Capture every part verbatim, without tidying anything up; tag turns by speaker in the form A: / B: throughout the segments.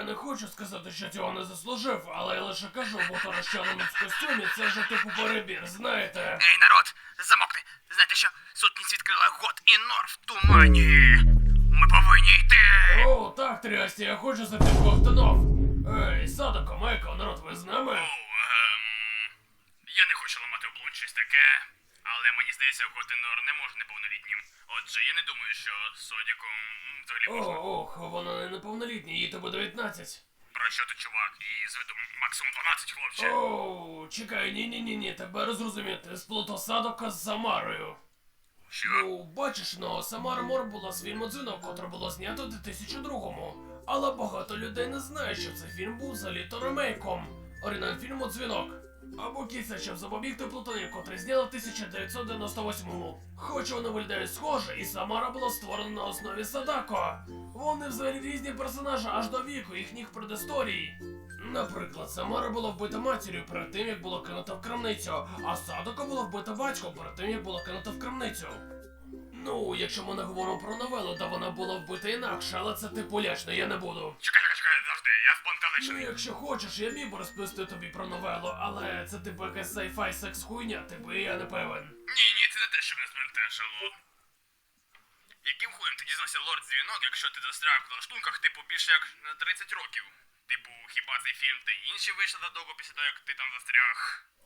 A: я не хочу сказати, що цього не заслужив, але я лише кажу, бо то розчалений в костюмі це вже типу перебір, знаєте.
B: Ей, народ, замовкни. Знаєте що? Сутність відкрила год і нор в тумані. Ми повинні йти.
A: О, так, Трясті, я хочу за тих ковтунов. Ей, Садоко, Майко, народ, ви з нами?
B: О, ем... Я не хочу ламати облун щось таке, але мені здається, год і нор не може неповнолітнім. Отже, я не думаю, що Содіком м, взагалі
A: О,
B: можна.
A: ох, вона не неповнолітня, їй тобі дев'ятнадцять.
B: Про що ти, чувак? І з виду максимум дванадцять, хлопче.
A: Оу, чекай, ні-ні-ні-ні, тебе розрозуміти, ти сплутав Садока з Самарою.
B: Що?
A: Ну, бачиш, ну, Самара Мор була з фільму «Дзвінок», котре було знято у дві тисячі другому. Але багато людей не знає, що цей фільм був взагалі-то ремейком оригінального фільму «Дзвінок». Або кіця, щоб запобігти плутані, котрий зняли в тисяча дев'ятсот дев'яносто восьмому. Хоч вони виглядають схоже, і Самара була створена на основі Садако. Вони взагалі різні персонажі аж до віку їхніх предісторій. Наприклад, Самара була вбита матір'ю перед тим, як була кинута в крамницю, а Садако була вбита батьком перед тим, як була кинута в крамницю. Ну, якщо ми не говоримо про новелу, то вона була вбита інакше, але це типу лячно, я не буду.
B: Чекай, чекай, чекай, завжди, я
A: Ну,
B: спантеличений.
A: якщо хочеш, я міг би розповісти тобі про новелу, але це типу якась sci-fi секс хуйня, типу, і я не певен.
B: Ні, ні, це не те, що мене збентежило. Яким хуєм ти дізнався лорд Дзвінок, якщо ти застряг в лаштунках, типу, більше як на тридцять років? Типу, хіба цей фільм та й інші вийшли задовго після того, як ти там застряг?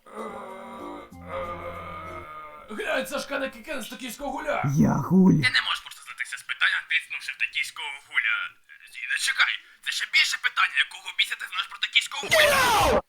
A: Глянь, Сашка на Кікен з токійського гуля!
C: Я гуль.
B: Ти не можеш просто здатися з питання, тиснувши в токійського гуля. Зіда, чекай, це ще більше питання, якого біса ти знаєш про токійського гуля?